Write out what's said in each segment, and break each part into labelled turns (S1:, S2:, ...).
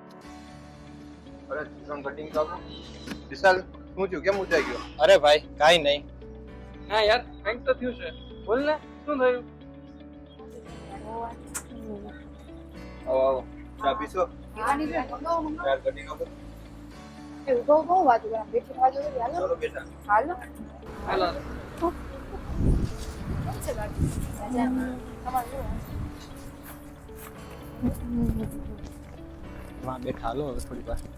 S1: અરે ત્રણ કટિંગ તો આપો. વિશાલ શું થયું, કેમ ઊંચાઈ ગયો?
S2: અરે ભાઈ કાઈ નહીં.
S3: હા યાર કંઈક તો થયું છે. બોલ ને શું થયું?
S1: આવો આવો, ચા પીશો?
S4: આની જે મંગાવો
S1: ચાર કટિંગ આપો.
S4: એવું તો બહુ વાત કરે બેઠી ખાજો તો હાલો
S1: ચાલો બેટા.
S4: હાલો
S3: હાલો
S4: કેમ છે બાકી મજામાં તમારું શું
S2: વાં બેઠા હાલો હવે થોડી વાર.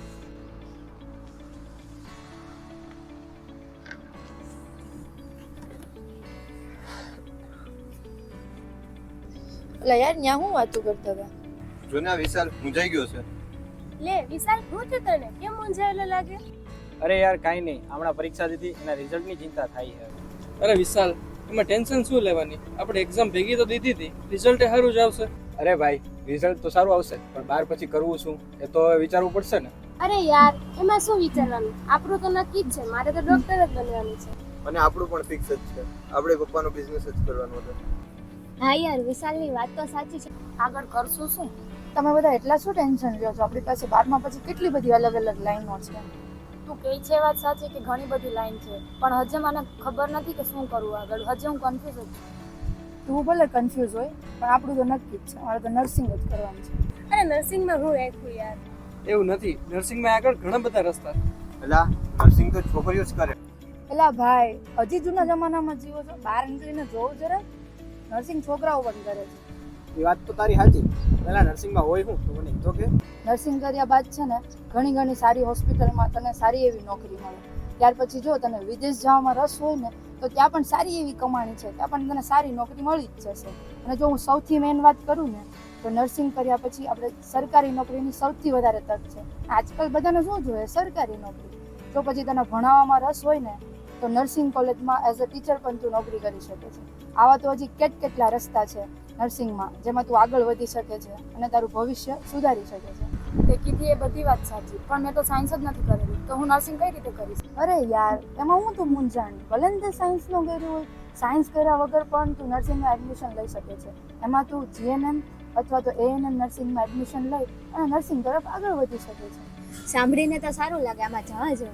S4: એટલે યાર ન્યા હું વાતું કરતા હતા
S1: જો ને આ વિશાલ મૂંઝાઈ ગયો છે.
S5: લે વિશાલ શું થયું તને કેમ મૂંઝાયેલો લાગે?
S2: અરે યાર કાઈ નહીં, હમણાં પરીક્ષા દીધી એના રિઝલ્ટની ચિંતા થાય છે.
S3: અરે વિશાલ એમાં ટેન્શન શું લેવાની? આપણે એક્ઝામ ભેગી તો દીધી હતી, રિઝલ્ટ સારું જ આવશે.
S2: અરે ભાઈ રિઝલ્ટ તો સારું આવશે પણ બાર પછી કરવું શું એ તો હવે વિચારવું પડશે ને.
S5: અરે યાર એમાં શું વિચારવાનું, આપણું તો નક્કી જ છે, મારે તો ડોક્ટર જ બનવાનું છે.
S1: અને આપણું પણ ફિક્સ જ છે, આપણે પપ્પાનો બિઝનેસ જ કરવાનો હતો.
S5: હા યાર વિશાલની વાત તો સાચી છે.
S4: આગળ કરશું શું? તમે બધા એટલા શું ટેન્શન લ્યો છો? આપણી પાસે 12મા પછી કેટલી બધી અલગ અલગ લાઈનો છે.
S5: તું કહે છે વાત સાચી કે ઘણી બધી લાઈન છે, પણ હજે મને ખબર નથી કે શું કરવું આગળ. હજે હું કન્ફ્યુઝ છું.
S4: તું ભલે કન્ફ્યુઝ હોય પણ આપણું તો નક્કી જ છે, અમારે તો નર્સિંગ જ કરવાનું છે.
S5: અરે નર્સિંગમાં હું રાખ્યું યાર.
S3: એવું નથી, નર્સિંગમાં આગળ ઘણા બધા રસ્તા.
S1: એલા નર્સિંગ તો છોકરીઓ જ કરે.
S4: એલા ભાઈ હજી જૂના જમાનામાં જીવો છો? બહાર નીકળીને જોવું જરા, નર્સિંગ છોકરાઓ પણ કરે છે.
S2: એ વાત તો તારી સાચી. પહેલા નર્સિંગમાં હોય શું તો મને તો કે.
S4: નર્સિંગ કર્યા બાદ છે ને ઘણી ઘણી સારી હોસ્પિટલમાં તને સારી એવી નોકરી મળે. ત્યાર પછી જો તને વિદેશ જવામાં રસ હોય ને તો ત્યાં પણ સારી એવી કમાણી છે, ત્યાં પણ તને સારી નોકરી મળી જ જશે. અને જો હું સૌથી મેઇન વાત કરું ને તો નર્સિંગ કર્યા પછી આપણે સરકારી નોકરીની સૌથી વધારે તક છે. આજકાલ બધાને શું જોઈએ? સરકારી નોકરી. જો પછી તને ભણાવવામાં રસ હોય ને તો નર્સિંગ કોલેજમાં એઝ અ ટીચર પણ તું નોકરી કરી શકે છે. આવા તો હજી કેટલા રસ્તા છે નર્સિંગમાં જેમાં તું આગળ વધી શકે છે અને તારું ભવિષ્ય સુધારી શકે છે.
S5: તે કીધી એ બધી વાત સાચી, પણ મેં તો સાયન્સ જ નથી કરેલું, તો હું નર્સિંગ કઈ રીતે કરીશ?
S4: અરે યાર એમાં હું તું મૂંઝાણી, ભલે ને તે સાયન્સનું કર્યું હોય, સાયન્સ કર્યા વગર પણ તું નર્સિંગમાં એડમિશન લઈ શકે છે. એમાં તું જીએનએમ અથવા તો એએનએમ નર્સિંગમાં એડમિશન લઈ અને નર્સિંગ તરફ આગળ વધી શકે છે.
S5: સાંભળીને તો સારું લાગે, આમાં જવા જેવું.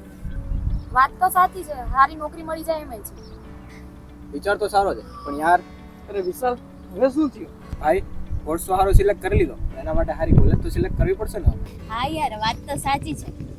S5: વાત તો સાચી છે, સારી નોકરી મળી જાય એમ છે.
S2: વિચાર તો સારો છે પણ યાર
S3: અરે વિશાલ હવે શું થયું?
S2: ભાઈ કોર્સ તો સારો સિલેક્ટ કરી લીધો, એના માટે સારી કોલેજ તો સિલેક્ટ કરવી પડશે ને.
S5: હા યાર વાત તો સાચી છે,